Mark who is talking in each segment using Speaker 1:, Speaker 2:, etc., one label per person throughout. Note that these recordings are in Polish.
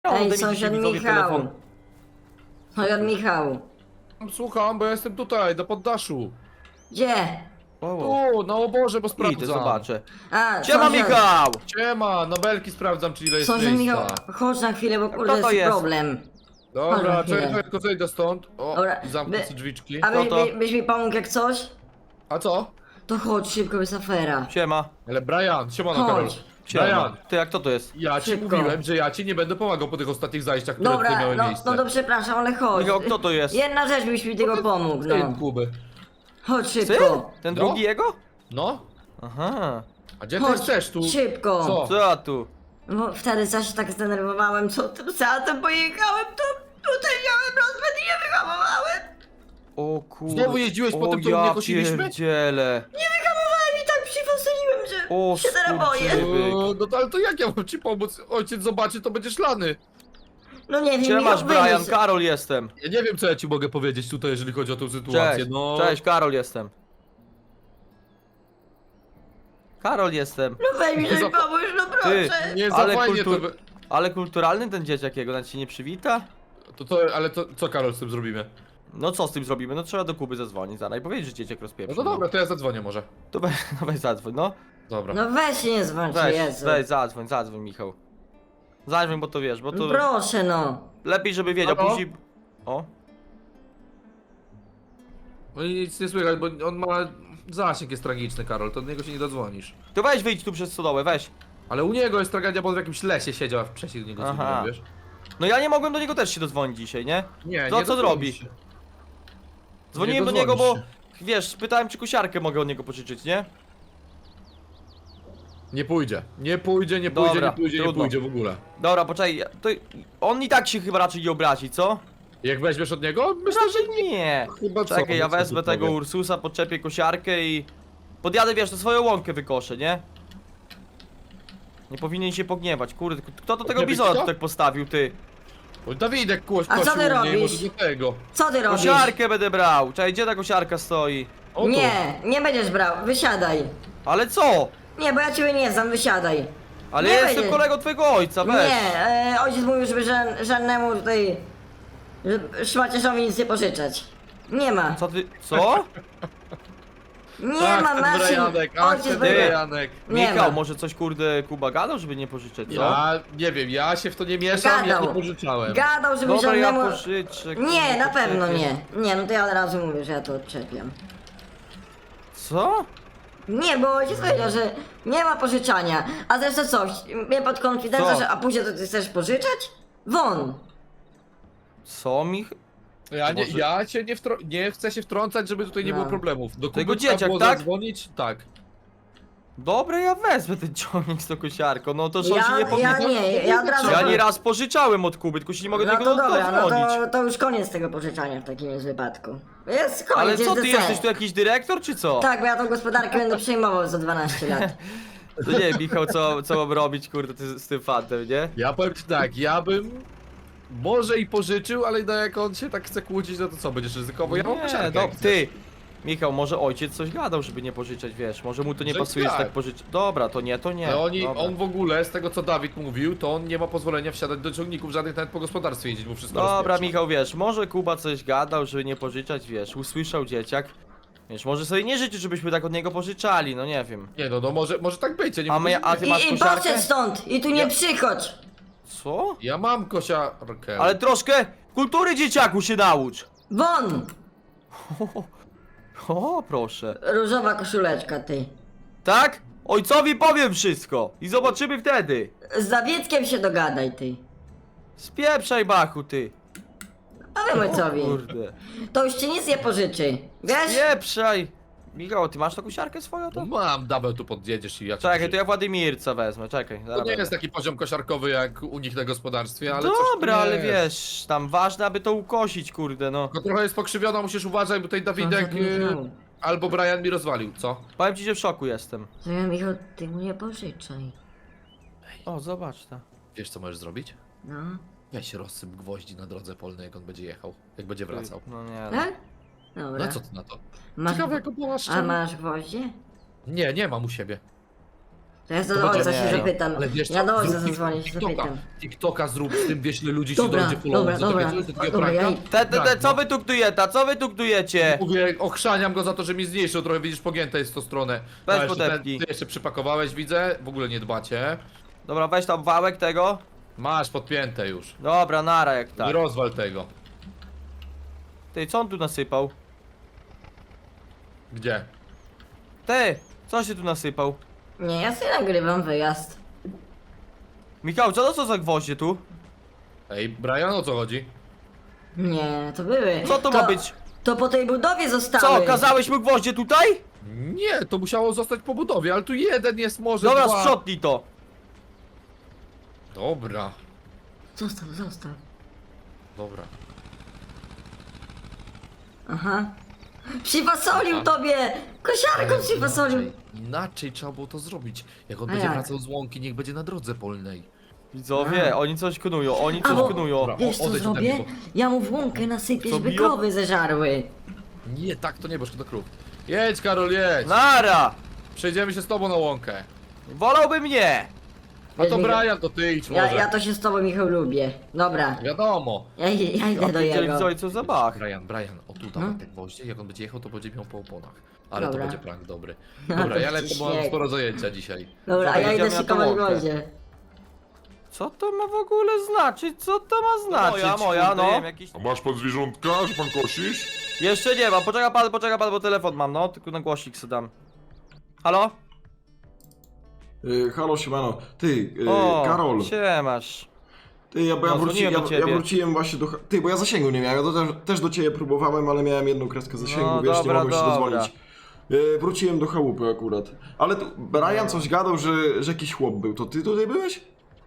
Speaker 1: Ej,
Speaker 2: mi dzisiaj
Speaker 1: sąsiad
Speaker 2: widzowie
Speaker 1: Michał.
Speaker 2: telefon.
Speaker 1: Sąsiad Michał.
Speaker 3: Słucham, bo ja jestem tutaj, na poddaszu.
Speaker 1: Gdzie?
Speaker 3: Tu, na oborze, bo
Speaker 2: Idę,
Speaker 3: sprawdzam.
Speaker 2: zobaczę.
Speaker 1: A,
Speaker 2: Siema Michał!
Speaker 3: Siema, nobelki sprawdzam, czy ile jest
Speaker 1: Sąsiad Michał,
Speaker 3: miejsca.
Speaker 1: chodź na chwilę, bo
Speaker 2: Kto
Speaker 1: kurde
Speaker 2: to
Speaker 1: jest
Speaker 2: jest?
Speaker 1: problem.
Speaker 3: Dobra,
Speaker 1: Chodź na chwilę.
Speaker 3: czekaj, tylko zejdę stąd. O,
Speaker 1: Dobra,
Speaker 3: zamknę
Speaker 1: by-
Speaker 3: sobie drzwiczki.
Speaker 1: A
Speaker 2: No to-
Speaker 1: byś mi pomógł jak coś?
Speaker 3: A co?
Speaker 1: To chodź szybko, jest afera.
Speaker 2: Siema.
Speaker 3: Ale Brian, siemano Karol.
Speaker 1: Chodź.
Speaker 2: Siema.
Speaker 3: Brian,
Speaker 2: Ty, jak to jest?
Speaker 3: ja ci
Speaker 1: Szybko.
Speaker 3: mówiłem, że ja ci nie będę pomagał po tych ostatnich zajściach, które tutaj
Speaker 1: Dobra,
Speaker 3: miały
Speaker 1: no,
Speaker 3: miejsce.
Speaker 1: no to przepraszam, ale chodź.
Speaker 2: Michał, kto to jest?
Speaker 1: Jedna rzecz byś mi tego pomógł,
Speaker 3: Syn
Speaker 1: no.
Speaker 3: Kuby.
Speaker 1: Chodź
Speaker 2: Syn?
Speaker 1: szybko.
Speaker 2: Ten
Speaker 3: No.
Speaker 2: drugi jego?
Speaker 3: No,
Speaker 2: Aha.
Speaker 3: a gdzie ty
Speaker 1: Chodź,
Speaker 3: chcesz tu?
Speaker 1: szybko.
Speaker 3: Co?
Speaker 2: Co tu?
Speaker 1: No wtedy zaś się tak zdenerwowałem, co tym satem pojechałem, to tutaj miałem rozwód i nie wyhamowałem.
Speaker 2: O kurde.
Speaker 3: Znowu jeździłeś po
Speaker 2: O,
Speaker 3: tym, co u mnie
Speaker 2: ja
Speaker 3: kosiliśmy?
Speaker 2: pierdzielę.
Speaker 1: Nie wyhamowałem i tak przywosoliłem, że
Speaker 2: O,
Speaker 1: się teraz boję.
Speaker 2: skurczybyk.
Speaker 3: No to ale to jak ja mam ci pomóc? Ojciec zobaczy, to będziesz lany.
Speaker 1: No nie wiem,
Speaker 2: Siemasz
Speaker 1: Michał,
Speaker 2: Brian,
Speaker 1: wyjdź.
Speaker 2: Karol jestem.
Speaker 3: Ja nie wiem, co ja ci mogę powiedzieć tutaj, jeżeli chodzi o tę sytuację,
Speaker 2: Cześć,
Speaker 3: no.
Speaker 2: cześć, Karol jestem. Karol jestem.
Speaker 1: No weź mi coś
Speaker 3: Za-
Speaker 1: pomóż, no
Speaker 2: Ty,
Speaker 1: proszę.
Speaker 3: Nie, za
Speaker 2: ale,
Speaker 3: fajnie
Speaker 2: ale kulturalny ten dzieciak jego, nawet się nie przywita?
Speaker 3: ale to co Karol z tym zrobimy?
Speaker 2: No co z tym zrobimy? No trzeba do Kuby zadzwonić zaraz i powiedzieć, że dzieciak
Speaker 3: No
Speaker 2: rozpieprzy.
Speaker 3: to dobra, to ja zadzwonię może.
Speaker 2: To weź, no weź zadzwoń, no.
Speaker 3: Dobra.
Speaker 1: No weź się nie zwalcz,
Speaker 2: Weź,
Speaker 1: Jezu.
Speaker 2: weź, zadzwoń Michał. Zadzwoń, bo to wiesz, bo to
Speaker 1: No proszę no.
Speaker 2: lepiej, żeby wiedział,
Speaker 3: Halo?
Speaker 2: później... O,
Speaker 3: No i nic nie słychać, bo on ma... Zasięg jest tragiczny, Karol, to do niego się nie dodzwonisz.
Speaker 2: to weź wyjdź tu przez stodołę, weź.
Speaker 3: Ale u niego jest tragedia, bo on w jakimś lesie siedział, a wcześniej do niego
Speaker 2: Aha.
Speaker 3: dzwoniłem, wiesz?
Speaker 2: No ja nie mogłem do niego też się dodzwonić dzisiaj, nie?
Speaker 3: Nie,
Speaker 2: To
Speaker 3: nie
Speaker 2: co
Speaker 3: dodzwonisz
Speaker 2: zrobi?
Speaker 3: się.
Speaker 2: Dzwoniłem do
Speaker 3: Nie
Speaker 2: niego, bo
Speaker 3: dodzwonisz
Speaker 2: wiesz, pytałem czy kosiarkę mogę od niego pożyczyć, nie?
Speaker 3: Nie pójdzie, nie pójdzie, nie
Speaker 2: Dobra,
Speaker 3: pójdzie, nie pójdzie, nie
Speaker 2: trudno.
Speaker 3: pójdzie w ogóle.
Speaker 2: Dobra, poczekaj, to on i tak się chyba raczej nie obrazi, co?
Speaker 3: Jak weźmiesz od niego? Myślę, że
Speaker 2: Raczej nie.
Speaker 3: chyba co,
Speaker 2: Czekaj, ja
Speaker 3: co tu
Speaker 2: wezmę tego
Speaker 3: powiem.
Speaker 2: Ursusa, podczepię kosiarkę i... Podjadę, wiesz, to swoją łąkę wykoszę, nie? Nie powinien się pogniewać, kurde, kto to tego
Speaker 3: Pogniewać
Speaker 2: bizona
Speaker 3: kto?
Speaker 2: tu tak postawił, ty?
Speaker 3: O, Dawidek
Speaker 1: A co ty
Speaker 3: kosił u mnie,
Speaker 1: robisz?
Speaker 3: może do tego.
Speaker 1: Co ty robisz?
Speaker 2: Kosiarkę będę brał, czekaj, gdzie ta kosiarka stoi?
Speaker 3: O, tu.
Speaker 1: Nie, nie będziesz brał, wysiadaj.
Speaker 2: Ale co?
Speaker 1: Nie, bo ja ciebie nie znam, wysiadaj.
Speaker 2: Ale
Speaker 1: Nie
Speaker 2: ja jestem
Speaker 1: będzie.
Speaker 2: kolegą twojego ojca, weź.
Speaker 1: Nie, ojciec mówił, żeby żadnemu tutaj szmaciarzowi nic nie pożyczać. Nie ma.
Speaker 2: Co ty, co?
Speaker 1: Nie
Speaker 3: Ach,
Speaker 1: ma
Speaker 3: ten
Speaker 1: maszyn.
Speaker 3: Brianek, ach,
Speaker 1: Ojciec
Speaker 3: ten
Speaker 1: będzie...
Speaker 3: Brianek.
Speaker 1: Nie
Speaker 2: Michał,
Speaker 1: ma.
Speaker 2: może coś kurde Kuba gadał, żeby nie pożyczać, co?
Speaker 3: Ja nie wiem, ja się w to nie mieszam, ja
Speaker 1: Gadał.
Speaker 3: nie pożyczałem.
Speaker 1: Gadał, żeby
Speaker 2: Dobra, ja
Speaker 1: żadnemu...
Speaker 2: pożyczę.
Speaker 1: Nie,
Speaker 2: kurde,
Speaker 1: na pewno
Speaker 2: poczekaj.
Speaker 1: nie. Nie, no to ja od razu mówię, że ja to odczepiam.
Speaker 2: Co?
Speaker 1: Nie, bo ojciec powiedział, że nie ma pożyczania. A zresztą coś, mnie pod konfidencją,
Speaker 2: Co?
Speaker 1: że a później to ty chcesz pożyczać? Won!
Speaker 2: Co, Może-
Speaker 3: Ja się nie chcę się wtrącać, żeby tutaj nie
Speaker 1: No.
Speaker 3: było problemów. Do
Speaker 2: Tego
Speaker 3: Kuby trzeba
Speaker 2: dzieciak,
Speaker 3: było
Speaker 2: tak?
Speaker 3: zadzwonić? Tak.
Speaker 2: Dobra, ja wezmę ten ciągnik z tą kosiarką, no to że on się nie
Speaker 1: Ja
Speaker 2: powinien...
Speaker 1: nie, ja od razu...
Speaker 2: Ja nieraz pożyczałem od Kuby, tylko się nie mogę do
Speaker 1: No
Speaker 2: niego
Speaker 1: to dobra, no
Speaker 2: dodzwonić.
Speaker 1: to już koniec tego pożyczania w takim jest wypadku. Jest koniec,
Speaker 2: Ale
Speaker 1: jest
Speaker 2: co, ty
Speaker 1: DCE.
Speaker 2: jesteś tu jakiś dyrektor, czy co?
Speaker 1: Tak, bo ja tą gospodarkę będę przejmował za 12 lat.
Speaker 2: To nie wiem, Michał, co mam robić, kurde, z tym fantem, nie?
Speaker 3: Ja powiem ci tak, ja bym może i pożyczył, ale no jak on się tak chce kłócić, no to co, będziesz ryzykował? Ja mam kosiarkę, jak chcesz.
Speaker 2: ty! Michał, może ojciec coś gadał, żeby nie pożyczać, wiesz, może mu to nie
Speaker 3: Że
Speaker 2: pasuje, że
Speaker 3: tak.
Speaker 2: tak pożyczać. Dobra, to nie.
Speaker 3: Ale
Speaker 2: Dobra.
Speaker 3: on w ogóle, z tego co Dawid mówił, to on nie ma pozwolenia wsiadać do ciągników żadnych nawet po gospodarstwie jeździć, bo wszystko
Speaker 2: Dobra,
Speaker 3: rozpieprza.
Speaker 2: Michał, wiesz, może Kuba coś gadał, żeby nie pożyczać, wiesz, usłyszał dzieciak. Wiesz, może sobie nie życzy, żebyśmy tak od niego pożyczali, no nie wiem.
Speaker 3: Nie no, może tak być, ja nie
Speaker 2: A
Speaker 3: mówię,
Speaker 2: my- a
Speaker 3: że
Speaker 2: ty
Speaker 3: nie.
Speaker 2: masz
Speaker 1: I
Speaker 2: kosiarkę?
Speaker 1: poszedł stąd! I tu nie
Speaker 3: Ja-
Speaker 1: przychodź!
Speaker 2: Co?
Speaker 3: Ja mam kosiarkę.
Speaker 2: Ale troszkę kultury dzieciaku się naucz!
Speaker 1: Won!
Speaker 2: O, proszę.
Speaker 1: Różowa koszuleczka, ty.
Speaker 2: Tak? Ojcowi powiem wszystko i zobaczymy wtedy.
Speaker 1: Z Dawieckiem się dogadaj, ty.
Speaker 2: Spieprzaj, Bachu, ty.
Speaker 1: Powiem ojcowi.
Speaker 2: Kurde.
Speaker 1: To już ci nic nie pożyczy. Wiesz?
Speaker 2: Spieprzaj. Michał, ty masz tą kosiarkę swoją,
Speaker 3: No
Speaker 2: to?
Speaker 3: mam, Dabel tu podjedziesz i ja ci
Speaker 2: Czekaj, to
Speaker 3: pożyczę.
Speaker 2: ja Władimirca wezmę, czekaj.
Speaker 3: To
Speaker 2: zaraz
Speaker 3: nie
Speaker 2: będę.
Speaker 3: jest taki poziom kosiarkowy jak u nich na gospodarstwie, ale coś
Speaker 2: Dobra,
Speaker 3: tu
Speaker 2: ale
Speaker 3: jest.
Speaker 2: wiesz, tam ważne, aby to ukosić, kurde, no.
Speaker 3: Tylko trochę jest pokrzywiona, musisz uważać, bo tutaj Dawidek
Speaker 1: Sąsiad Michał.
Speaker 3: albo Brian mi rozwalił, co?
Speaker 2: Powiem ci, że w szoku jestem.
Speaker 1: To ja, Michał, ty mu nie pożyczaj.
Speaker 2: O, zobacz to.
Speaker 3: Wiesz co możesz zrobić?
Speaker 1: No.
Speaker 3: Weź rozsyp gwoździ na drodze polnej, jak on będzie jechał, jak będzie wracał.
Speaker 2: No nie, no.
Speaker 1: Tak? Dobra.
Speaker 3: No co ty na to?
Speaker 1: Masz...
Speaker 3: Ciekawe jak to była
Speaker 1: A
Speaker 3: szczerze.
Speaker 1: masz gwoździe?
Speaker 3: Nie, nie mam u siebie.
Speaker 1: To ja
Speaker 3: To
Speaker 1: do ojca
Speaker 3: będzie-
Speaker 1: się zapytam.
Speaker 3: Ale wiesz co,
Speaker 1: Ja do ojca
Speaker 3: zrób
Speaker 1: zadzwonię, się
Speaker 3: TikToka.
Speaker 1: zapytam.
Speaker 3: TikToka zrób z tym, wiesz ile ludzi ci
Speaker 1: Dobra,
Speaker 3: dojdzie follow
Speaker 1: dobra,
Speaker 3: za
Speaker 1: dobra.
Speaker 3: takie coś, za takiego
Speaker 1: Dobra,
Speaker 3: pranka.
Speaker 1: ja-
Speaker 2: Co wy tu knujeta, co wy tu knujecie?
Speaker 3: Mówię, ochrzaniam go za to, że mi zniszczył, trochę widzisz, pogięte jest w tą stronę.
Speaker 2: Weź
Speaker 3: A, jeszcze
Speaker 2: podepnij.
Speaker 3: ty jeszcze przypakowałeś, widzę, w ogóle nie dbacie.
Speaker 2: Dobra, weź tam wałek tego.
Speaker 3: Masz podpięte już.
Speaker 2: Dobra, nara jak
Speaker 3: Nie
Speaker 2: tak.
Speaker 3: rozwal tego.
Speaker 2: Ty, co on tu nasypał?
Speaker 3: Gdzie?
Speaker 2: Ty, co się tu nasypał?
Speaker 1: Nie, ja sobie nagrywam wyjazd.
Speaker 2: Michał, co to są za gwoździe tu?
Speaker 3: Ej, Brian, o co chodzi?
Speaker 1: Nie, to były.
Speaker 2: Co to ma być?
Speaker 1: To po tej budowie zostały.
Speaker 2: Co, kazałeś mu gwoździe tutaj?
Speaker 3: Nie, to musiało zostać po budowie, ale tu jeden jest może
Speaker 2: Dobra,
Speaker 3: dwa.
Speaker 2: sprzątnij to.
Speaker 3: Dobra,
Speaker 1: Zostaw, zostaw.
Speaker 3: dobra.
Speaker 1: Aha. Przywasolił tobie! Kosiarką przywasolił!
Speaker 3: Inaczej trzeba było to zrobić. Jak on
Speaker 1: A
Speaker 3: będzie
Speaker 1: jak?
Speaker 3: wracał z łąki, niech będzie na drodze polnej.
Speaker 2: Widzowie, oni coś knują, oni coś
Speaker 1: Albo-
Speaker 2: knują.
Speaker 3: Dobra.
Speaker 1: Wiesz co
Speaker 3: Odejdź ode
Speaker 1: zrobię?
Speaker 3: mnie,
Speaker 1: Ja mu w łąkę nasypię,
Speaker 2: Co,
Speaker 1: żeby
Speaker 2: biją?
Speaker 1: krowy zeżarły.
Speaker 3: Nie, tak to nie, bo szkoda krów. Jedź, Karol, jedź!
Speaker 2: Nara!
Speaker 3: Przejdziemy się z tobą na łąkę.
Speaker 2: Wolałbym nie!
Speaker 3: A to
Speaker 1: Wiesz, Michał,
Speaker 3: Brian, to ty idź może.
Speaker 1: ja to się z tobą, Michał, lubię. Dobra,
Speaker 3: Wiadomo.
Speaker 1: ja idę do jego.
Speaker 2: Widzowie, co za bach.
Speaker 3: Brian, o tu dawaj te gwoździe, jak on będzie jechał, to będzie miał po oponach. Ale
Speaker 1: Dobra.
Speaker 3: to będzie prank dobry.
Speaker 1: No
Speaker 3: Dobra,
Speaker 1: to
Speaker 3: ja lecę, bo mam
Speaker 1: śnieg.
Speaker 3: sporo zajęcia dzisiaj.
Speaker 1: Dobra, a ja idę
Speaker 2: Jedziemy na tą
Speaker 1: szykować
Speaker 2: łąkę.
Speaker 1: gwoździe.
Speaker 2: Co to ma w ogóle znaczyć? Co to ma znaczyć? Moja,
Speaker 3: kurde,
Speaker 2: no.
Speaker 3: jem
Speaker 2: Jakiś...
Speaker 4: A masz pan zwierzątka, że pan kosisz?
Speaker 2: Jeszcze nie ma, poczeka pan, bo telefon mam, no. Tylko na głośnik sobie dam. Halo?
Speaker 5: Halo, siemano. Ty,
Speaker 2: O,
Speaker 5: Karol.
Speaker 2: siemasz.
Speaker 5: Ty, ja
Speaker 2: dzwoniłem do
Speaker 5: ja
Speaker 2: ciebie.
Speaker 5: wróciłem właśnie do... Ty, bo ja zasięgu nie miałem, ja też do ciebie próbowałem, ale miałem jedną kreskę zasięgu,
Speaker 2: No,
Speaker 5: wiesz,
Speaker 2: dobra,
Speaker 5: nie mogłem się
Speaker 2: dobra.
Speaker 5: dodzwonić. Wróciłem do chałupy akurat. Ale tu, Brian coś gadał, że jakiś chłop był, to ty tutaj byłeś?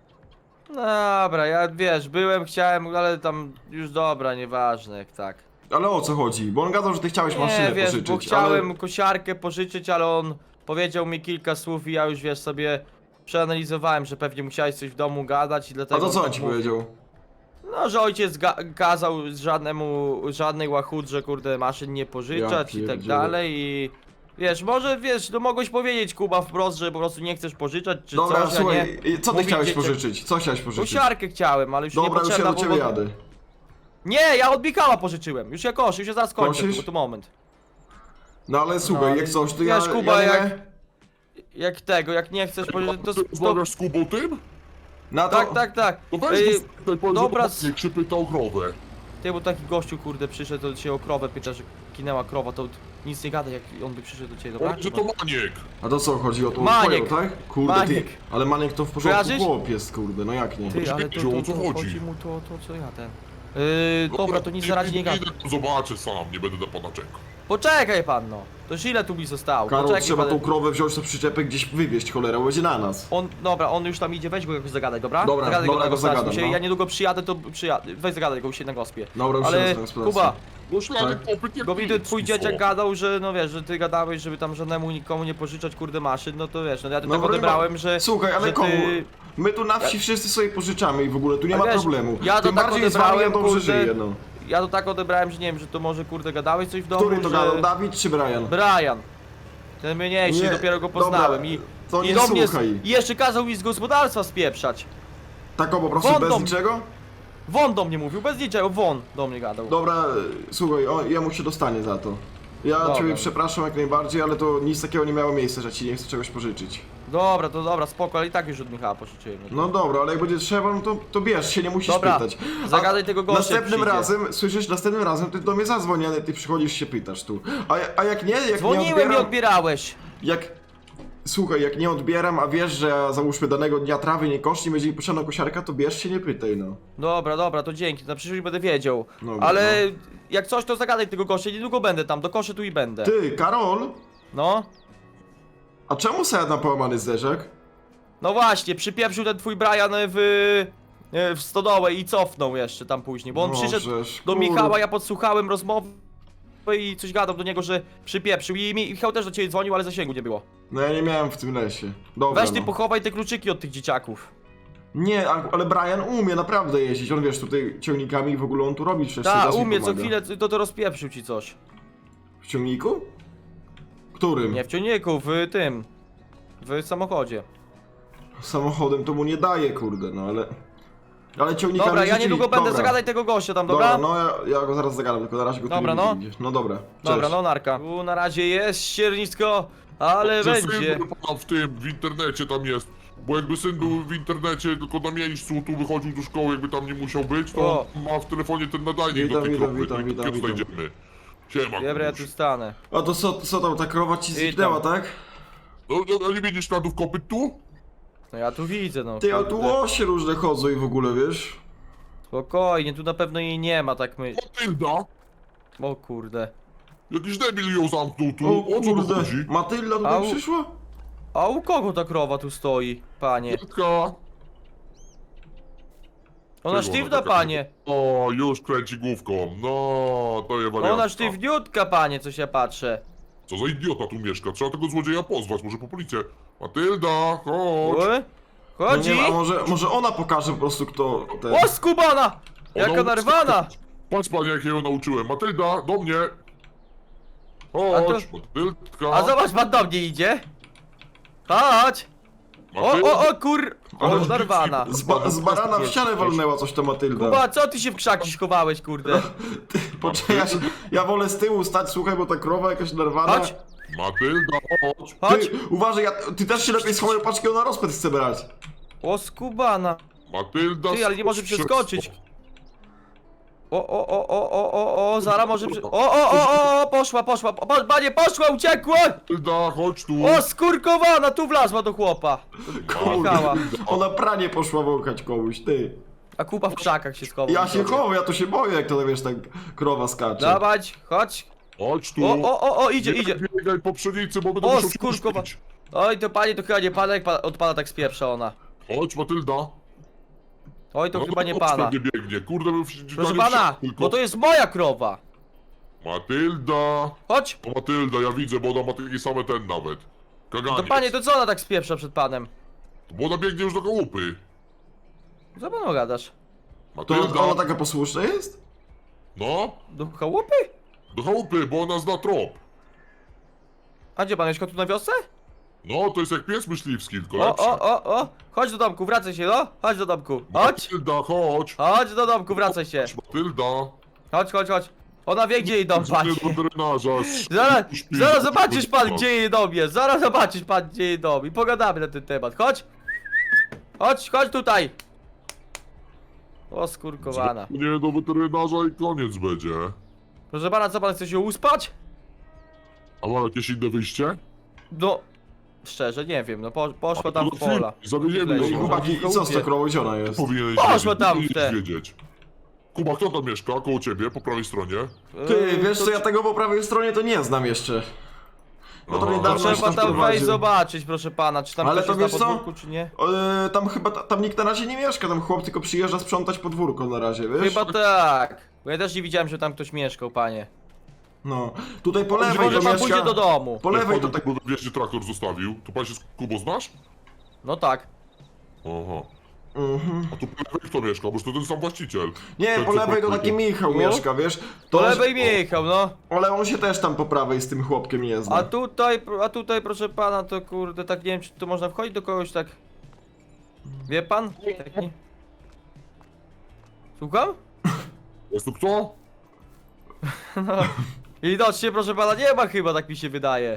Speaker 2: Dobra, ja wiesz, chciałem, ale tam już dobra, nieważne jak tak.
Speaker 5: Ale o co chodzi? Bo on gadał, że ty chciałeś maszynę
Speaker 2: Nie, wiesz,
Speaker 5: pożyczyć,
Speaker 2: bo chciałem
Speaker 5: ale...
Speaker 2: kosiarkę pożyczyć, ale on powiedział mi kilka słów i ja już wiesz sobie przeanalizowałem, że pewnie musiałeś coś w domu gadać i
Speaker 5: A
Speaker 2: dlatego
Speaker 5: to co on
Speaker 2: tak
Speaker 5: ci
Speaker 2: mówił.
Speaker 5: powiedział?
Speaker 2: No, że ojciec kazał żadnej łachudrze, kurde, maszyn nie pożyczać
Speaker 5: Ja
Speaker 2: i tak
Speaker 5: pierdzielę.
Speaker 2: dalej i... Wiesz, może wiesz, no mogłeś powiedzieć Kuba wprost, że po prostu nie chcesz pożyczać czy
Speaker 5: Dobra,
Speaker 2: coś, a
Speaker 5: słuchaj,
Speaker 2: nie...
Speaker 5: co ty
Speaker 2: mówić
Speaker 5: chciałeś
Speaker 2: dzieciom-
Speaker 5: pożyczyć? Co chciałeś pożyczyć?
Speaker 2: Kosiarkę chciałem, ale już
Speaker 5: Dobra, już ja
Speaker 2: niepotrzebna,
Speaker 5: do ciebie
Speaker 2: bo...
Speaker 5: jadę.
Speaker 2: Nie, ja od Michała pożyczyłem, już ja koszę, już ja zaraz kończę,
Speaker 5: Kosisz?
Speaker 2: bo to moment.
Speaker 5: No ale słuchaj,
Speaker 2: No,
Speaker 5: jak coś, to
Speaker 2: wiesz,
Speaker 5: ja...
Speaker 2: Kuba,
Speaker 5: ja nie...
Speaker 2: jak nie chcesz pożyczyć, to...
Speaker 4: Rozmawiasz z Kubą tym?
Speaker 5: Na to...
Speaker 2: Tak.
Speaker 4: To weź
Speaker 2: Ej,
Speaker 4: go spytaj, powiedz,
Speaker 2: dobra,
Speaker 4: że niech się pyta o krowę.
Speaker 2: Ty, bo taki gościu, kurde, przyszedł, to się o krowę pyta, że kinęła krowa, to nic nie gada, jak on by przyszedł do ciebie, dobra?
Speaker 4: Powiedz, że to Maniek.
Speaker 5: A to co, chodzi o tą
Speaker 2: Maniek.
Speaker 5: twoją, tak? Kurde,
Speaker 2: Maniek.
Speaker 5: ty, ale Maniek to w porządku
Speaker 2: Kojarzysz?
Speaker 5: chłop jest, kurde, no jak nie?
Speaker 2: Ty, ale to
Speaker 4: Wiedział, o co chodzi.
Speaker 2: chodzi mu to, co ja ten... dobra, to nic na razie nie gada.
Speaker 4: Idę, to zobaczę sam, nie będę na pana czekał.
Speaker 2: Poczekaj pan, no. To już ile tu mi zostało?
Speaker 5: Karol,
Speaker 2: Poczekaj
Speaker 5: trzeba
Speaker 2: pan.
Speaker 5: tą krowę wziąć na przyczepę, gdzieś wywieźć, cholera, będzie na nas.
Speaker 2: Dobra, on już tam idzie, weź go jakoś zagadaj, dobra?
Speaker 5: Dobra,
Speaker 2: zagadaj
Speaker 5: dobra,
Speaker 2: na
Speaker 5: go
Speaker 2: gospodarstwie.
Speaker 5: zagadam, no.
Speaker 2: Ja niedługo przyjadę, to przyjadę. Weź zagadaj go się na gospie.
Speaker 5: Dobra, już
Speaker 2: Ale
Speaker 5: jest na gospodarstwie.
Speaker 2: Kuba,
Speaker 4: No szlany
Speaker 5: Tak.
Speaker 4: kopyt jak
Speaker 2: bo mi tu
Speaker 4: nic,
Speaker 2: twój
Speaker 4: no
Speaker 2: dzieciak
Speaker 4: co?
Speaker 2: gadał, że no wiesz, że ty gadałeś, żeby tam żadnemu nikomu nie pożyczać kurde maszyn, no to wiesz, no ja to
Speaker 5: No
Speaker 2: tak
Speaker 5: bo
Speaker 2: odebrałem, że...
Speaker 5: Słuchaj, ale
Speaker 2: że
Speaker 5: komu?
Speaker 2: ty...
Speaker 5: My tu na wsi wszyscy sobie pożyczamy i w ogóle tu nie
Speaker 2: Ale
Speaker 5: ma
Speaker 2: wiesz,
Speaker 5: problemu.
Speaker 2: ja to
Speaker 5: Tym
Speaker 2: tak
Speaker 5: bardziej z wami ja
Speaker 2: odebrałem,
Speaker 5: dobrze
Speaker 2: kurde,
Speaker 5: żyję, no.
Speaker 2: Ja to tak odebrałem, że nie wiem, że to może kurde gadałeś coś w domu,
Speaker 5: Który to
Speaker 2: że...
Speaker 5: gadał, Dawid czy Brian?
Speaker 2: Brian. Ten mniejszy,
Speaker 5: Nie,
Speaker 2: dopiero go
Speaker 5: dobra,
Speaker 2: poznałem i...
Speaker 5: to
Speaker 2: I
Speaker 5: nie
Speaker 2: do mnie
Speaker 5: słuchaj.
Speaker 2: i jeszcze kazał mi z gospodarstwa spieprzać.
Speaker 5: Tak o, po prostu
Speaker 2: Won
Speaker 5: bez
Speaker 2: do-
Speaker 5: niczego?
Speaker 2: Won do mnie mówił, bez niczego, won do mnie gadał.
Speaker 5: Dobra, słuchaj, jemu się dostanie za to. Ja
Speaker 2: Dobra.
Speaker 5: ciebie przepraszam jak najbardziej, ale to nic takiego nie miało miejsca, że ci nie chcę czegoś pożyczyć.
Speaker 2: Dobra, to dobra, spoko, ale i tak już od Michała pożyczyłem.
Speaker 5: No dobra, ale jak będzie trzeba, no to bierz się, nie musisz
Speaker 2: Dobra,
Speaker 5: pytać.
Speaker 2: zagadaj tego gościa,
Speaker 5: Następnym
Speaker 2: jak przyjdzie.
Speaker 5: razem, słyszysz, następnym razem ty do mnie zadzwoni, ale ty przychodzisz się pytasz tu. A jak nie, jak nie
Speaker 2: Dzwoniłem i
Speaker 5: odbieram,
Speaker 2: odbierałeś.
Speaker 5: jak... Słuchaj, jak nie odbieram, a wiesz, że ja załóżmy danego dnia trawy nie koszli, będzie mi potrzebna kosiarka, to bierz się, nie pytaj, no.
Speaker 2: Dobra, to dzięki, na przyszłość będę wiedział.
Speaker 5: Dobra,
Speaker 2: Ale jak coś, to zagadaj tego gościa, niedługo będę tam, dokoszę tu i będę.
Speaker 5: Ty, Karol,
Speaker 2: No.
Speaker 5: a czemu sad na połamany zderzak?
Speaker 2: No właśnie, przypieprzył ten twój Brian w stodołę i cofnął jeszcze tam później, bo on
Speaker 5: No,
Speaker 2: przyszedł
Speaker 5: żeż,
Speaker 2: do
Speaker 5: kurde.
Speaker 2: Michała, ja podsłuchałem rozmowy i coś gadał do niego, że przypieprzył i Michał też do ciebie dzwonił, ale zasięgu nie było.
Speaker 5: No ja nie miałem w tym lesie. Dobra,
Speaker 2: Weź ty
Speaker 5: no.
Speaker 2: pochowaj te kluczyki od tych dzieciaków.
Speaker 5: Nie, ale Brian umie naprawdę jeździć, on wiesz, tutaj ciągnikami i w ogóle on tu robi przecież
Speaker 2: Tak,
Speaker 5: raz mi
Speaker 2: umie, co
Speaker 5: pomaga.
Speaker 2: chwilę to rozpieprzył ci coś.
Speaker 5: W ciągniku? Którym?
Speaker 2: Nie w ciągniku, w tym. W samochodzie.
Speaker 5: Samochodem to mu nie daje, kurde, no ale... Ale ciągnikami
Speaker 2: Dobra, ja
Speaker 5: rzeczywiście-
Speaker 2: niedługo będę,
Speaker 5: dobra.
Speaker 2: zagadaj tego gościa tam, dobra?
Speaker 5: No ja go zaraz zagadam, tylko na razie go tu
Speaker 2: Dobra,
Speaker 5: nie
Speaker 2: no.
Speaker 5: widzę gdzieś. No dobra,
Speaker 2: Dobra,
Speaker 5: cześć.
Speaker 2: no narka. Tu na razie jest ściernisko, ale będzie.
Speaker 4: Syn pana w internecie tam jest. Bo jakby syn był w internecie, tylko na miejscu, tu wychodził do szkoły, jakby tam nie musiał być, to
Speaker 2: O.
Speaker 4: ma w telefonie ten nadajnik
Speaker 5: Witam,
Speaker 4: do tej
Speaker 5: witam,
Speaker 4: krowy,
Speaker 5: witam,
Speaker 4: no i
Speaker 5: witam,
Speaker 4: tu
Speaker 5: witam.
Speaker 4: znajdziemy. Siema,
Speaker 2: Dobra, ja
Speaker 4: Kubuś.
Speaker 2: tu stanę.
Speaker 5: A to co tam, ta krowa ci zniknęła, tak?
Speaker 4: No, nie widzisz śladów kopyt tu?
Speaker 2: No ja tu widzę, no.
Speaker 5: Ty, a tu
Speaker 2: kurde.
Speaker 5: łosie różne chodzą i w ogóle, wiesz?
Speaker 2: Spokojnie, tu na pewno jej nie ma, tak my...
Speaker 4: Matylda!
Speaker 2: O kurde.
Speaker 4: Jakiś debil ją zamknął tu,
Speaker 5: O
Speaker 4: o co tu
Speaker 5: kurde,
Speaker 4: chodzi?
Speaker 5: Matylda tutaj
Speaker 2: Au.
Speaker 5: przyszła?
Speaker 2: A u kogo ta krowa tu stoi, panie?
Speaker 4: Matka!
Speaker 2: Ona
Speaker 4: Czego
Speaker 2: sztywna,
Speaker 4: taka-
Speaker 2: panie.
Speaker 4: O, już kręci główką, no, to je wariantka.
Speaker 2: Ona sztywniutka, panie, coś ja patrzę.
Speaker 4: Co za idiota tu mieszka, trzeba tego złodzieja pozwać, może po policję. Matylda, chodź!
Speaker 2: O?
Speaker 5: No
Speaker 2: Chodzi?
Speaker 5: nie wiem, a może ona pokaże po prostu kto ten...
Speaker 2: O, skubana! Jaka
Speaker 4: Ona-
Speaker 2: narwana!
Speaker 4: Patrz panie, jak ja ją nauczyłem. Matylda, do mnie!
Speaker 2: A
Speaker 4: Chodź,
Speaker 2: to-
Speaker 4: Matyldka!
Speaker 2: A zobacz, pan do mnie idzie. Chodź! O, kur... O, narwana.
Speaker 5: Z barana w ścianę walnęła coś to Matylda.
Speaker 2: Kuba, co ty się w krzaki schowałeś, kurde?
Speaker 5: Poczekaj, ja wolę z tyłu stać, słuchaj, bo ta krowa jakaś nerwana.
Speaker 2: Chodź,
Speaker 4: Matylda, chodź!
Speaker 2: chodź.
Speaker 5: Ty, uważaj, ty też się lepiej schowaj, patrz, jakiego na rozpęd chce brać.
Speaker 2: O, skubana.
Speaker 4: Matylda,
Speaker 2: Ty, ale nie może
Speaker 4: skocz
Speaker 2: przeskoczyć.
Speaker 4: szybko.
Speaker 2: O, Zara może poszła, panie, poszła, uciekła!
Speaker 4: Matylda, chodź tu!
Speaker 2: O, skurkowana, tu wlazła do chłopa. Michała.
Speaker 5: Ona pranie poszła wąchać komuś, ty.
Speaker 2: A Kuba w krzakach się schował.
Speaker 5: Ja się chowam, ja to się boję, jak to, wiesz, tak krowa skacze.
Speaker 2: Dawać, chodź.
Speaker 4: Chodź tu!
Speaker 2: O, idzie.
Speaker 4: Nie biegaj po pszenicy, bo będę
Speaker 2: O,
Speaker 4: musiał się
Speaker 2: skurkowa.
Speaker 4: pośpić.
Speaker 2: Oj, to panie, to chyba nie pana, jak od pana tak spieprza ona.
Speaker 4: Chodź, Matylda!
Speaker 2: Oj, to
Speaker 4: No,
Speaker 2: chyba nie
Speaker 4: chodź,
Speaker 2: pana.
Speaker 4: nie biegnie, kurde, bym
Speaker 2: Proszę pana, bo to jest moja krowa.
Speaker 4: Matylda!
Speaker 2: Chodź.
Speaker 4: O, Matylda, ja widzę, bo ona ma takie same ten nawet. Kaganiec.
Speaker 2: To panie, to co ona tak spieprza przed panem?
Speaker 4: Bo ona biegnie już do chałupy.
Speaker 2: Co panu gadasz?
Speaker 5: To
Speaker 4: Matylda!
Speaker 5: ona taka posłuszna jest?
Speaker 4: No,
Speaker 2: Do chałupy?
Speaker 4: do chałupy, bo ona zna trop.
Speaker 2: A gdzie pan mieszka, tu na wiosce?
Speaker 4: No, to jest jak pies myśliwski, tylko
Speaker 2: O,
Speaker 4: lepszy.
Speaker 2: o, chodź do domku, wracaj się, no. Chodź do domku, chodź.
Speaker 4: Matylda, chodź.
Speaker 2: Chodź do domku, wracaj się.
Speaker 4: Matylda.
Speaker 2: Chodź. Ona wie, gdzie jej dom,
Speaker 4: Dzwonię
Speaker 2: panie.
Speaker 4: do weterynarza.
Speaker 2: Zaraz zobaczysz pan, gdzie jej dom jest. Zaraz zobaczysz pan, gdzie jej dom. I pogadamy na ten temat. Chodź. Chodź tutaj. O, skurkowana.
Speaker 4: Nie, do weterynarza i koniec będzie.
Speaker 2: Proszę pana, co pan chce się uspać?
Speaker 4: A ma jakieś inne wyjście?
Speaker 2: No, szczerze, nie wiem, no poszła tam w
Speaker 4: to
Speaker 2: pola.
Speaker 4: Zawieziemy
Speaker 2: Leży.
Speaker 5: I
Speaker 4: ją.
Speaker 5: chłopaki, i co z tą krową, gdzie ona jest?
Speaker 4: Powinieneś
Speaker 2: Poszła
Speaker 4: wiedzieć,
Speaker 2: tam w
Speaker 4: powinieneś
Speaker 2: te.
Speaker 4: wiedzieć. Kuba, kto tam mieszka? Koło ciebie, po prawej stronie?
Speaker 5: Ty, wiesz
Speaker 2: to
Speaker 5: co, ja tego po prawej stronie to nie znam jeszcze. No to
Speaker 4: Aha.
Speaker 5: niedawno się
Speaker 2: trzeba tam
Speaker 5: wprowadził.
Speaker 2: wejść zobaczyć, proszę pana, czy tam
Speaker 5: Ale
Speaker 2: ktoś
Speaker 5: to
Speaker 2: jest
Speaker 5: wiesz
Speaker 2: na
Speaker 5: co?
Speaker 2: podwórku, czy nie?
Speaker 5: Tam chyba, tam nikt na razie nie mieszka, tam chłop tylko przyjeżdża sprzątać podwórko na razie, wiesz?
Speaker 2: Chyba tak. Bo ja też nie widziałem, że tam ktoś mieszkał, panie.
Speaker 5: No, tutaj po
Speaker 2: Może
Speaker 5: lewej to
Speaker 2: pan
Speaker 5: mieszka...
Speaker 2: pójdzie do domu.
Speaker 5: Po lewej to
Speaker 4: Jak
Speaker 5: tak...
Speaker 4: pan wiecznie traktor zostawił, to pan się z Kubą znasz?
Speaker 2: No tak.
Speaker 4: Aha.
Speaker 5: Mhm.
Speaker 4: A tu po lewej kto mieszka? Bo to ten sam właściciel.
Speaker 5: Nie,
Speaker 4: Ten,
Speaker 5: po
Speaker 4: co
Speaker 5: lewej to
Speaker 4: pan
Speaker 5: taki
Speaker 4: powiedział.
Speaker 5: Michał
Speaker 2: No.
Speaker 5: mieszka, wiesz?
Speaker 2: Po
Speaker 5: To
Speaker 2: lewej Michał, no.
Speaker 5: Ale on się też tam po prawej z tym chłopkiem nie zna.
Speaker 2: A tutaj, proszę pana, to kurde, tak nie wiem, czy tu można wchodzić do kogoś tak. Wie pan? Taki... Słucham?
Speaker 4: Jest tu kto?
Speaker 2: Widocznie, proszę pana, nie ma chyba, tak mi się wydaje.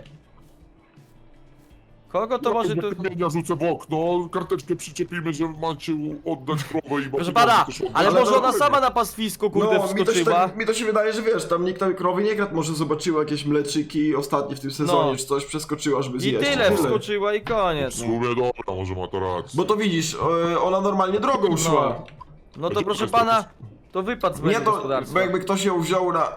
Speaker 2: Kogo to może tu...
Speaker 4: Ja rzucę w okno, karteczkę przyczepimy, że macie oddać krowę i
Speaker 2: Proszę pana, ale
Speaker 5: Ale
Speaker 2: może
Speaker 5: to-
Speaker 2: ona sama na pastwisku, kurde,
Speaker 5: No,
Speaker 2: wskoczyła.
Speaker 5: mi to się wydaje, że wiesz, tam nikt tam krowy nie kradł, może zobaczyła jakieś mleczyki ostatnie w tym sezonie,
Speaker 2: No.
Speaker 5: czy coś, przeskoczyła, żeby
Speaker 2: I
Speaker 5: zjeść.
Speaker 2: tyle, wskoczyła i
Speaker 4: W
Speaker 2: koniec.
Speaker 4: sumie dobra, może ma to rację.
Speaker 5: Bo to widzisz, ona normalnie drogą szła.
Speaker 2: No to proszę pana, to wypad z
Speaker 5: Nie
Speaker 2: mojego
Speaker 5: to,
Speaker 2: gospodarstwa.
Speaker 5: bo jakby ktoś ją wziął na...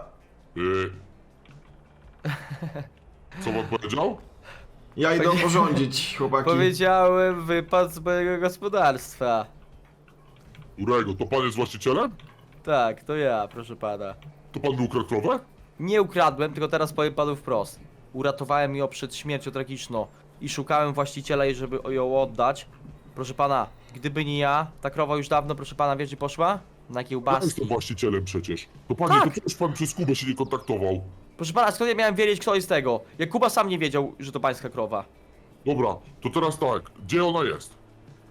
Speaker 4: Co pan powiedział?
Speaker 5: Ja idę porządzić, chłopaki.
Speaker 2: Powiedziałem wypad z mojego gospodarstwa.
Speaker 4: Urego, to pan jest właścicielem?
Speaker 2: Tak, to ja, proszę pana.
Speaker 4: To pan mi ukradł krowę?
Speaker 2: Nie ukradłem, tylko teraz powiem panu wprost. Uratowałem ją przed śmiercią tragiczną i szukałem właściciela jej, żeby ją oddać. Proszę pana, gdyby nie ja, ta krowa już dawno, proszę pana, wie gdzie poszła? Na
Speaker 4: Ja
Speaker 2: kiełbaski.
Speaker 4: jestem właścicielem przecież. To panie,
Speaker 2: Tak.
Speaker 4: to przecież pan przez Kubę się nie kontaktował.
Speaker 2: Proszę pana, skąd ja miałem wiedzieć, kto jest tego? Jak Kuba sam nie wiedział, że to pańska krowa.
Speaker 4: Dobra, to teraz tak, gdzie ona jest?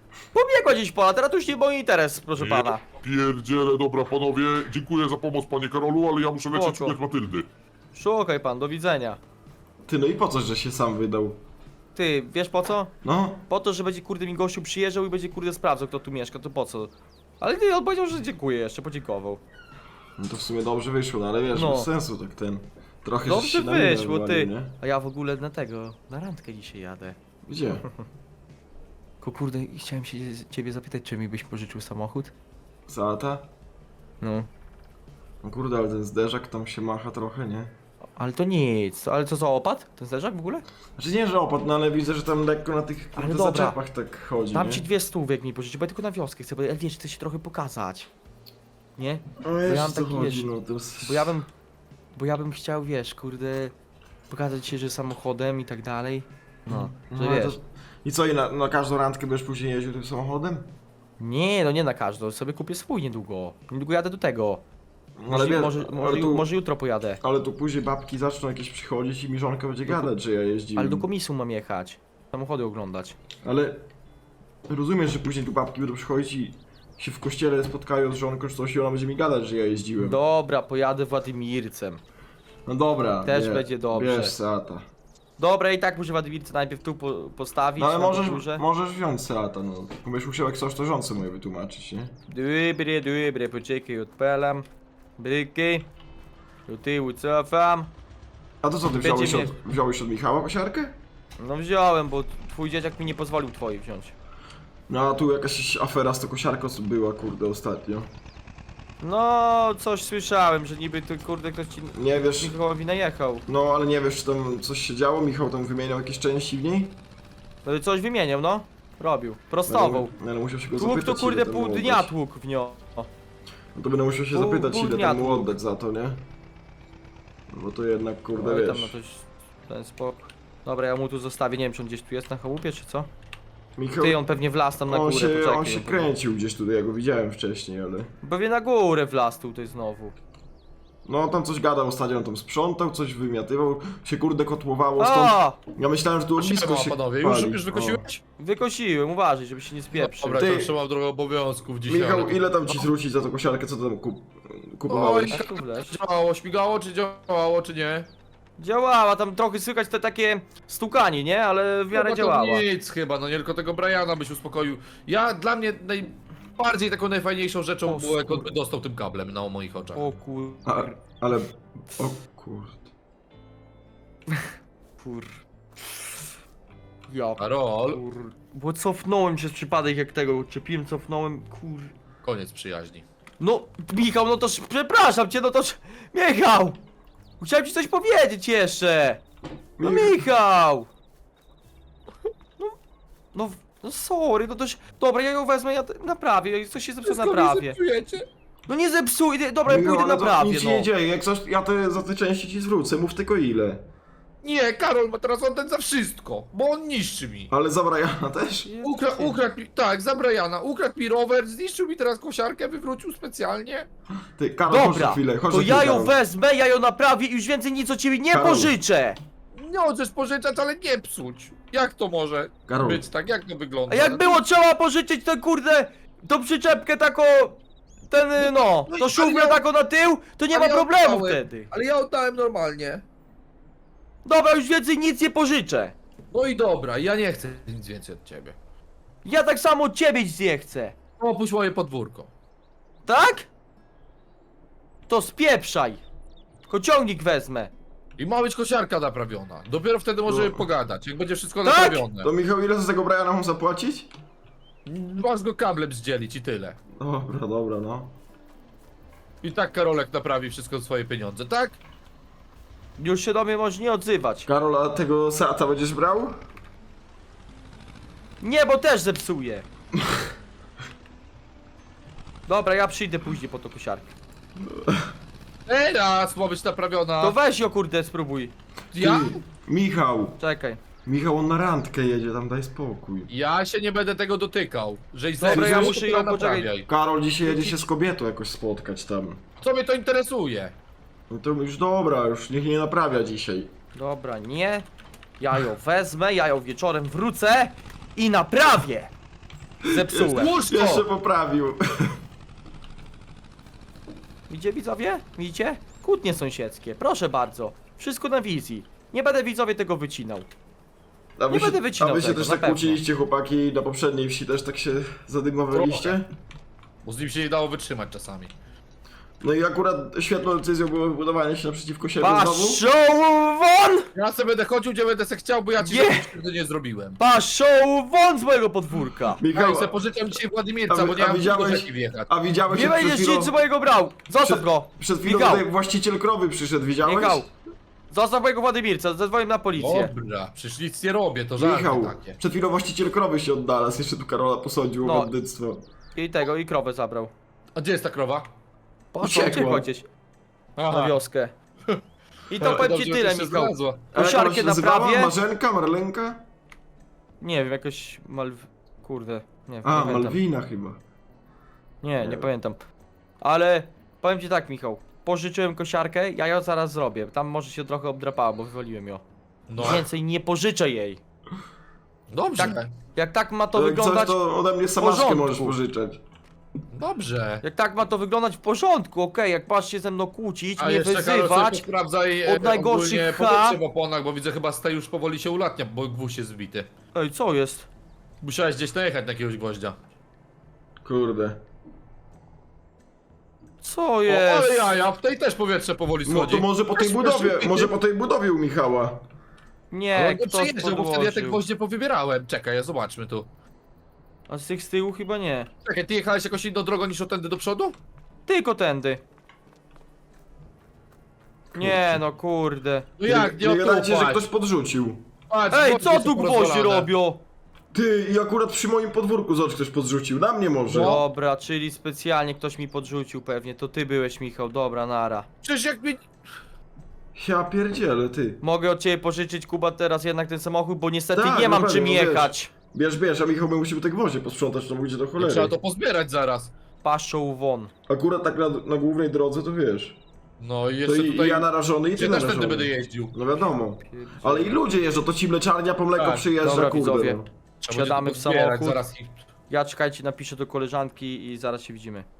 Speaker 2: Pobiegła gdzieś pola, teraz to już nie mój interes, proszę pana.
Speaker 4: Pierdziele, dobra panowie, dziękuję za pomoc panie Karolu, ale ja muszę lecieć
Speaker 2: Spoko.
Speaker 4: szukać Matyldy.
Speaker 2: Szukaj pan, do widzenia.
Speaker 5: Ty, no i po co, że się sam wydał?
Speaker 2: Ty, wiesz po co?
Speaker 5: No,
Speaker 2: Po to, że będzie kurde mi gościu przyjeżdżał i będzie kurde sprawdzał, kto tu mieszka, to po co? Ale nie, on powiedział, że dziękuję jeszcze, podziękował.
Speaker 5: no to w sumie dobrze wyszło, no ale wiesz,
Speaker 2: No.
Speaker 5: bez sensu tak ten. Trochę żeś
Speaker 2: Dobrze
Speaker 5: się na minę
Speaker 2: wyszło, ty.
Speaker 5: wywalił, nie?
Speaker 2: A ja w ogóle na randkę dzisiaj jadę.
Speaker 5: Gdzie?
Speaker 2: Tylko kurde, chciałem się ciebie zapytać, czy mi byś pożyczył samochód?
Speaker 5: Zata?
Speaker 2: No.
Speaker 5: No kurde, ale ten zderzak tam się macha trochę, nie?
Speaker 2: Ale to nic, ale co za opad? Ten zderzak w ogóle?
Speaker 5: Znaczy nie, że opadł, no ale widzę, że tam lekko na tych
Speaker 2: Ale
Speaker 5: kurde,
Speaker 2: dobra.
Speaker 5: zaczepach tak chodzi,
Speaker 2: Dam
Speaker 5: nie?
Speaker 2: ci 200 jak mi pożyczyć, bo ja tylko na wioskę chcę, bo ja wiesz, chcę się trochę pokazać. Nie?
Speaker 5: No wiesz,
Speaker 2: ja mam
Speaker 5: co
Speaker 2: taki,
Speaker 5: chodzi,
Speaker 2: wiesz,
Speaker 5: no to jest...
Speaker 2: Bo ja bym chciał, wiesz, kurde, pokazać się, że samochodem i tak dalej. No, że
Speaker 5: ale
Speaker 2: wiesz.
Speaker 5: to... I co, i na każdą randkę będziesz później jeździł tym samochodem?
Speaker 2: Nie, no nie na każdą, sobie kupię swój niedługo. Niedługo jadę do tego.
Speaker 5: No, ale wiesz,
Speaker 2: Może jutro pojadę.
Speaker 5: ale tu później babki zaczną jakieś przychodzić i mi żonka będzie gadać, że ja jeździłem.
Speaker 2: Ale do komisu mam jechać. Samochody oglądać.
Speaker 5: Ale rozumiesz, że później tu babki będą przychodzić i się w kościele spotkają z żonką czy coś i ona będzie mi gadać, że ja jeździłem.
Speaker 2: Dobra, pojadę Władimircem.
Speaker 5: No dobra,
Speaker 2: Też będzie dobrze.
Speaker 5: Wiesz, Seata.
Speaker 2: Dobra, i tak muszę Władimirce najpierw tu postawić.
Speaker 5: No ale
Speaker 2: na górze.
Speaker 5: możesz wziąć Seata, no. Będziesz musiał jak coś to żonce moje wytłumaczyć, nie?
Speaker 2: Dobre, poczekaj, odpalam. Bryki. Do tyłu cofam.
Speaker 5: A to co, ty
Speaker 2: Będzie
Speaker 5: wziąłeś od Michała kosiarkę?
Speaker 2: No wziąłem, bo twój dzieciak mi nie pozwolił twojej wziąć.
Speaker 5: No a tu jakaś afera z tą kosiarką była, kurde, ostatnio.
Speaker 2: No, coś słyszałem, że niby ty kurde ktoś ci
Speaker 5: Nie wiesz,
Speaker 2: Michałowi najechał.
Speaker 5: no ale nie wiesz, czy tam coś się działo? Michał tam wymieniał jakieś części w niej?
Speaker 2: No coś wymieniał, no. Robił. Prostował.
Speaker 5: Ale musiał się go
Speaker 2: Tłuk
Speaker 5: zapytać,
Speaker 2: to kurde
Speaker 5: ile tam
Speaker 2: pół
Speaker 5: mu
Speaker 2: dnia
Speaker 5: oddać.
Speaker 2: tłuk w nią.
Speaker 5: No to będę musiał się
Speaker 2: Pół
Speaker 5: zapytać, ile
Speaker 2: dnia
Speaker 5: tam mu
Speaker 2: tłuk.
Speaker 5: oddać za to, nie? No bo to jednak, kurde,
Speaker 2: Oj, tam
Speaker 5: wiesz.
Speaker 2: no coś ten spok. Dobra, ja mu tu zostawię, nie wiem czy on gdzieś tu jest na chałupie czy co?
Speaker 5: Michał,
Speaker 2: Ty, on pewnie wlazł tam na górę, poczekaj.
Speaker 5: on się kręcił gdzieś tutaj, ja go widziałem wcześniej, ale...
Speaker 2: Pewnie na górę wlazł tutaj znowu.
Speaker 5: No tam coś gadał ostatnio, on tam sprzątał, coś wymiatywał, się kurde kotłowało stąd.
Speaker 2: O!
Speaker 5: Ja myślałem, że tu ognisko
Speaker 3: Siema,
Speaker 5: się
Speaker 3: panowie,
Speaker 5: pali.
Speaker 3: już wykosiłeś?
Speaker 2: Wykosiłem, uważaj, żeby się nie spieprzył.
Speaker 3: Dobra,
Speaker 5: Ty-
Speaker 3: to trzymam trochę obowiązków dzisiaj.
Speaker 5: Michał,
Speaker 3: ale-
Speaker 5: ile tam ci zwrócić za tą kosiarkę, co tam kupowałeś?
Speaker 3: Oj,
Speaker 2: A tu wleć.
Speaker 3: Działało, śmigało, czy działało, czy nie?
Speaker 2: Działała, tam trochę słychać te takie stukanie, nie? Ale w miarę
Speaker 3: No, to
Speaker 2: działała.
Speaker 3: nic chyba, no nie tylko tego Briana byś uspokoił. Dla mnie najbardziej taką najfajniejszą rzeczą
Speaker 2: O,
Speaker 3: było, jak on
Speaker 2: skur-
Speaker 3: by dostał tym kablem na moich oczach.
Speaker 2: O kur...
Speaker 5: Ale... O kurde...
Speaker 2: kur... Ja
Speaker 3: Karol,
Speaker 2: kur... Bo cofnąłem się z przypadek jak tego odczepiłem, cofnąłem, kur...
Speaker 3: koniec przyjaźni.
Speaker 2: No, Michał, no toż, przepraszam cię, no toż... Michał! Chciałem ci coś powiedzieć jeszcze! No Michał! No sorry, no toż... Dobra, ja ją wezmę, ja naprawię, jak coś się zepsuło, naprawię. No nie zepsuj, dobra, ja
Speaker 5: Michał,
Speaker 2: pójdę
Speaker 5: ale to
Speaker 2: naprawię,
Speaker 5: nic się
Speaker 2: no.
Speaker 5: nie dzieje, jak coś, ja za te części ci zwrócę, mów tylko ile.
Speaker 3: Nie, Karol ma teraz oddać za wszystko, bo on niszczy mi.
Speaker 5: Ale za Briana też?
Speaker 3: Ukradł mi, tak, za Briana, ukradł mi rower, zniszczył mi teraz kosiarkę, wywrócił specjalnie.
Speaker 5: Ty, Karol, chodź na
Speaker 2: Dobra,
Speaker 5: chwilę, chodź
Speaker 2: to
Speaker 5: na chwilę,
Speaker 2: ja ją
Speaker 5: Karol.
Speaker 2: wezmę, ja ją naprawię i już więcej nic od ciebie nie
Speaker 5: Karol.
Speaker 2: pożyczę!
Speaker 3: Nie możesz pożyczać, ale nie psuć. Jak to może
Speaker 5: Karol.
Speaker 3: być tak? Jak to wygląda?
Speaker 2: A jak było trzeba pożyczyć tę kurde, tą przyczepkę taką, ten no,
Speaker 3: No i-
Speaker 2: to szumę
Speaker 3: ale ja-
Speaker 2: taką na tył, to nie
Speaker 3: ale
Speaker 2: ma
Speaker 3: ja
Speaker 2: problemu
Speaker 3: oddałem.
Speaker 2: wtedy.
Speaker 3: Ale ja oddałem normalnie.
Speaker 2: Dobra, już więcej nic nie pożyczę.
Speaker 3: No i dobra, ja nie chcę nic więcej od ciebie.
Speaker 2: Ja tak samo od ciebie nic nie chcę.
Speaker 3: Opuść moje podwórko.
Speaker 2: Tak? To spieprzaj. Kociągnik wezmę.
Speaker 3: I ma być kosiarka naprawiona. Dopiero wtedy możemy
Speaker 5: No.
Speaker 3: pogadać, jak będzie wszystko
Speaker 2: Tak?
Speaker 3: naprawione.
Speaker 5: To Michał, ile za tego Briana mam zapłacić?
Speaker 3: Masz go kablem zdzielić i tyle.
Speaker 5: Dobra, no.
Speaker 3: I tak Karolek naprawi wszystko za swoje pieniądze, tak?
Speaker 2: Już się do mnie możesz nie odzywać.
Speaker 5: Karol, a tego Seata będziesz brał?
Speaker 2: Nie, bo też zepsuję. Dobra, ja przyjdę później po tą kosiarkę.
Speaker 3: Teraz ma być naprawiona.
Speaker 2: To weź ją kurde, spróbuj.
Speaker 3: Ja?
Speaker 5: Ty, Michał!
Speaker 2: Czekaj.
Speaker 5: Michał, on na randkę jedzie, tam daj spokój.
Speaker 3: Ja się nie będę tego dotykał. Żeś
Speaker 2: Dobra,
Speaker 3: zepsuł,
Speaker 2: ja
Speaker 3: to
Speaker 2: muszę ją,
Speaker 3: naprawiaj.
Speaker 2: poczekaj.
Speaker 5: Karol dzisiaj jedzie się z kobietą jakoś spotkać tam.
Speaker 3: Co mnie to interesuje?
Speaker 5: No to już dobra, już niech nie naprawia dzisiaj.
Speaker 2: Dobra, nie. Ja ją wezmę, ja ją wieczorem wrócę i naprawię. Zepsułem.
Speaker 3: Łóżko!
Speaker 5: Jeszcze poprawił.
Speaker 2: Widzicie widzowie? Widzicie? Kłótnie sąsiedzkie, proszę bardzo. Wszystko na wizji. Nie będę widzowie tego wycinał.
Speaker 5: A wy
Speaker 2: Nie będę
Speaker 5: się,
Speaker 2: wycinał
Speaker 5: a wy się
Speaker 2: tego,
Speaker 5: też
Speaker 2: na
Speaker 5: tak
Speaker 2: pewno.
Speaker 5: kłóciliście, chłopaki, na poprzedniej wsi też tak się zadymowaliście?
Speaker 3: Bo z nim się nie dało wytrzymać czasami.
Speaker 5: No i akurat świetną decyzją było budowanie się naprzeciwko siebie znowu.
Speaker 2: Paszą won!
Speaker 3: Ja sobie będę chodził, gdzie będę se chciał, bo ja ci
Speaker 2: Nie.
Speaker 3: tego nie zrobiłem.
Speaker 2: Paszą won z mojego podwórka!
Speaker 3: Ja
Speaker 5: Michał,
Speaker 3: sobie pożyczam dzisiaj Władimirca,
Speaker 5: A wy-
Speaker 3: bo nie
Speaker 5: a
Speaker 3: mam
Speaker 5: widziałeś-
Speaker 3: do rzeki wjechać.
Speaker 5: a widziałeś
Speaker 2: Nie
Speaker 5: jak
Speaker 2: będziesz nic z mojego brał! Zostaw go!
Speaker 5: przed chwilą
Speaker 2: Michał.
Speaker 5: tutaj właściciel krowy przyszedł, widziałeś?
Speaker 2: Michał! Zostaw mojego Władimirca, zadzwonię na policję.
Speaker 3: Dobra, przecież nic nie robię, to żarty
Speaker 5: Michał,
Speaker 3: takie.
Speaker 5: przed chwilą właściciel krowy się odnalazł, jeszcze tu Karola posądził
Speaker 2: No.
Speaker 5: o bandyctwo.
Speaker 2: I krowę zabrał.
Speaker 3: A gdzie jest ta krowa?
Speaker 2: Poszło,
Speaker 5: Uciekła.
Speaker 2: uciekła gdzieś na wioskę. I to powiem ci
Speaker 3: Dobrze,
Speaker 2: tyle,
Speaker 3: że się
Speaker 2: Michał.
Speaker 3: znalazła.
Speaker 5: A jak ona
Speaker 2: Kosiarkę
Speaker 5: się nazywała?
Speaker 2: naprawię.
Speaker 5: Marzenka, Marlenka?
Speaker 2: Nie wiem, jakoś Kurde, nie wiem,
Speaker 5: A,
Speaker 2: nie pamiętam.
Speaker 5: Malwina chyba.
Speaker 2: Nie pamiętam. Ale powiem ci tak, Michał. Pożyczyłem kosiarkę, ja ją zaraz zrobię. Tam może się trochę obdrapała, bo wywaliłem ją.
Speaker 3: No,
Speaker 2: Więcej nie pożyczę jej.
Speaker 3: dobrze,
Speaker 2: Tak. Jak tak ma to
Speaker 5: To jak coś,
Speaker 2: wyglądać.
Speaker 5: to ode mnie samaszkę
Speaker 2: porządku.
Speaker 5: możesz pożyczać.
Speaker 3: dobrze.
Speaker 2: Jak tak ma to wyglądać w porządku, okej, jak masz się ze mną kłócić,
Speaker 3: A
Speaker 2: mnie
Speaker 3: jeszcze Karol sobie
Speaker 2: wyzywać.
Speaker 3: sprawdzaj
Speaker 2: od najgorszych
Speaker 3: powietrze w oponach, bo widzę chyba stej już powoli się ulatnia, bo gwóźdź jest zbity.
Speaker 2: Ej, co jest?
Speaker 3: Musiałeś gdzieś najechać na jakiegoś gwoździa.
Speaker 5: Kurde.
Speaker 2: Co
Speaker 3: O, ale
Speaker 2: jest?
Speaker 3: jaja, w tej też powietrze powoli
Speaker 5: No
Speaker 3: schodzi.
Speaker 5: to może po tej
Speaker 3: Też
Speaker 5: budowie,
Speaker 3: zbity.
Speaker 5: może po tej budowie u Michała.
Speaker 2: Nie,
Speaker 3: Ale
Speaker 2: ktoś
Speaker 3: przejeżdżał, bo wtedy ja te
Speaker 2: podłożył.
Speaker 3: gwoździe powybierałem. Czekaj, zobaczmy tu.
Speaker 2: A z tych z tyłu chyba nie.
Speaker 3: Czekaj, ty jechałeś jakąś inną drogą niż otędy do przodu?
Speaker 2: Tylko tędy. Nie no, kurde.
Speaker 3: No jak, nie
Speaker 5: Nie gadajcie, że
Speaker 3: otupać.
Speaker 5: ktoś podrzucił.
Speaker 3: Patrz,
Speaker 2: Ej,
Speaker 3: gwoździe
Speaker 2: co
Speaker 3: są
Speaker 2: tu gwoździe
Speaker 3: porozwalane.
Speaker 2: robią?
Speaker 5: Ty, i akurat przy moim podwórku zobacz, ktoś podrzucił. Na mnie może.
Speaker 2: Dobra, czyli specjalnie ktoś mi podrzucił pewnie. To ty byłeś, Michał. Dobra, nara.
Speaker 3: Przecież jak mi...
Speaker 5: Ja pierdzielę, ty.
Speaker 2: Mogę od ciebie pożyczyć, Kuba, teraz jednak ten samochód, bo niestety
Speaker 5: Tak,
Speaker 2: nie mam
Speaker 5: no
Speaker 2: czym
Speaker 5: pewnie, no
Speaker 2: jechać.
Speaker 5: Bierz, a Michał my musimy te gwoździe posprzątać, to będzie do cholery.
Speaker 3: Trzeba to pozbierać zaraz.
Speaker 2: Paszą won.
Speaker 5: Akurat tak na głównej drodze to wiesz.
Speaker 3: No i
Speaker 5: To
Speaker 3: jeszcze
Speaker 5: i
Speaker 3: tutaj...
Speaker 5: ja narażony i ty
Speaker 3: Gdzie też
Speaker 5: narażony.
Speaker 3: tędy będę jeździł.
Speaker 5: No wiadomo. Ale i ludzie jeżdżą, to ci mleczarnia po mleko
Speaker 3: Tak,
Speaker 5: przyjeżdża,
Speaker 2: dobra,
Speaker 5: kurde.
Speaker 2: widzowie.
Speaker 5: No.
Speaker 3: Trzeba
Speaker 2: Siadamy
Speaker 3: będzie
Speaker 2: w
Speaker 3: to pozbierać
Speaker 2: samochód.
Speaker 3: Zaraz ich...
Speaker 2: Ja czekajcie, napiszę do koleżanki i zaraz się widzimy.